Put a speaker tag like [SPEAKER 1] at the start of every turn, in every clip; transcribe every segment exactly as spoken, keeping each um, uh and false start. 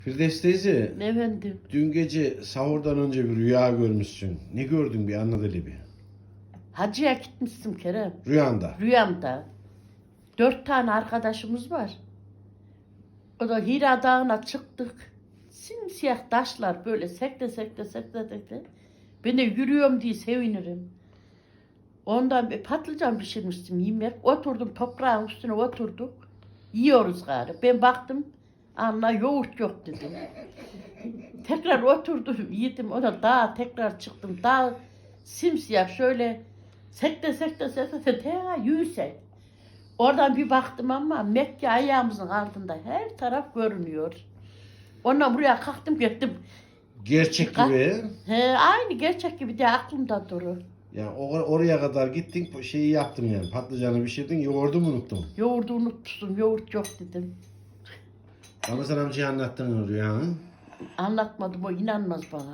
[SPEAKER 1] Firdevs teyze,
[SPEAKER 2] Efendim,
[SPEAKER 1] dün gece sahurdan önce bir rüya görmüşsün. Ne gördün bir anlat hele bir.
[SPEAKER 2] hacıya gitmiştim Kerem.
[SPEAKER 1] Rüyanda.
[SPEAKER 2] Rüyamda. Dört tane arkadaşımız var. O da Hira Dağı'na çıktık. Simsiyah taşlar böyle sekte sekte sekte sekte. Ben de yürüyorum diye sevinirim. Ondan bir patlıcan pişirmiştim yemek. Oturdum toprağın üstüne oturduk. Yiyoruz gari. Ben baktım. Anla yoğurt yok dedim. Tekrar oturdum yedim. Ona daha tekrar çıktım. Daha simsiyah şöyle sekte sekte sekte sekte yürüsek. Oradan bir baktım ama Mekke ayağımızın altında her taraf görünüyor. Ondan buraya kalktım gittim.
[SPEAKER 1] Gerçek
[SPEAKER 2] Kalk-
[SPEAKER 1] gibi.
[SPEAKER 2] He, aynı gerçek gibi de aklımda durur.
[SPEAKER 1] Yani or- oraya kadar gittin şeyi yaptım yani. Patlıcanı pişirdin, yoğurdu mu unuttun?
[SPEAKER 2] Yoğurdu unutmuştum, yoğurt yok dedim.
[SPEAKER 1] Ramazan amcaya anlattın rüyanı.
[SPEAKER 2] Anlatmadım, o inanmaz bana.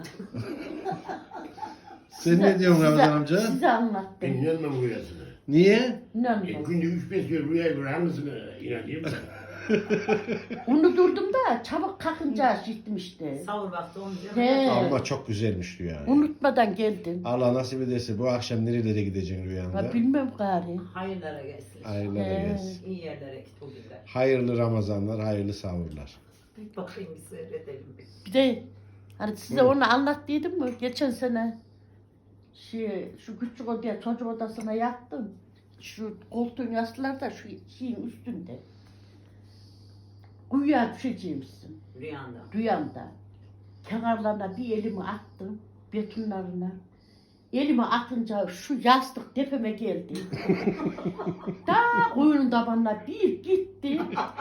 [SPEAKER 1] Sen ne diyorsun
[SPEAKER 2] size-
[SPEAKER 1] Ramazan amca?
[SPEAKER 2] Size
[SPEAKER 3] Ben
[SPEAKER 2] anlattım.
[SPEAKER 3] inanmam rüyasına.
[SPEAKER 1] Niye?
[SPEAKER 3] E,
[SPEAKER 2] İnanmaz.
[SPEAKER 3] günde üç beş kere rüya görür, hangisine inanayım ben?
[SPEAKER 2] Unuturdum da çabuk kalkınca gittim işte.
[SPEAKER 4] Savur vakti onu diyor.
[SPEAKER 2] He.
[SPEAKER 1] Ama çok güzelmiş rüya.
[SPEAKER 2] Unutmadan geldim.
[SPEAKER 1] Allah nasip ederse bu akşam nerelere gideceksin rüyanda?
[SPEAKER 2] Ha, bilmem gari.
[SPEAKER 4] Hayırlara gelsin.
[SPEAKER 1] Hayırlara
[SPEAKER 2] He.
[SPEAKER 1] gelsin.
[SPEAKER 4] İyi yerlere git o günler.
[SPEAKER 1] Hayırlı Ramazanlar, hayırlı sahurlar.
[SPEAKER 4] Bir bakayım bir seyredelim biz.
[SPEAKER 2] Bir de hani size
[SPEAKER 1] Buyurun.
[SPEAKER 2] onu anlattıydım mı? Geçen sene şey, şu küçük odaya çocuk odasına yattım. Şu koltuğun yastıkları da şu şeyin üstünde. Kuyuya düşeceğimsin
[SPEAKER 4] Rüyanda.
[SPEAKER 2] rüyamda. Kenarlarına bir elimi attım betonlarına. Elimi atınca şu yastık tepeme geldi. Daha kuyunun tabanına bir gitti.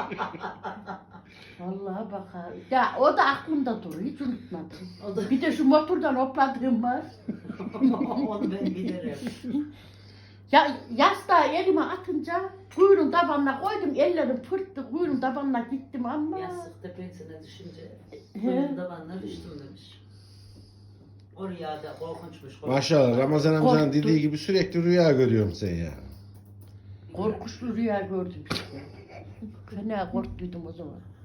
[SPEAKER 2] Vallahi bakar. Ya o da aklımda duruyor, hiç unutmadım.
[SPEAKER 4] O da
[SPEAKER 2] Bir de şu motordan hopladığım var.
[SPEAKER 4] onu ben bilirim.
[SPEAKER 2] Ya yastığı elime atınca kuyunun tabanına koydum, ellerim pırttı, kuyunun tabanına gittim ama.
[SPEAKER 4] Yastık tepesine düşünce
[SPEAKER 2] He.
[SPEAKER 4] kuyunun tabanına düştüm demiş. O rüyada korkunçmuş.
[SPEAKER 1] Maşallah Ramazan amcanın
[SPEAKER 2] Korktum.
[SPEAKER 1] dediği gibi sürekli rüya görüyorum sen ya.
[SPEAKER 2] Korkuşlu rüya gördüm işte. Fena korktuydum o zaman.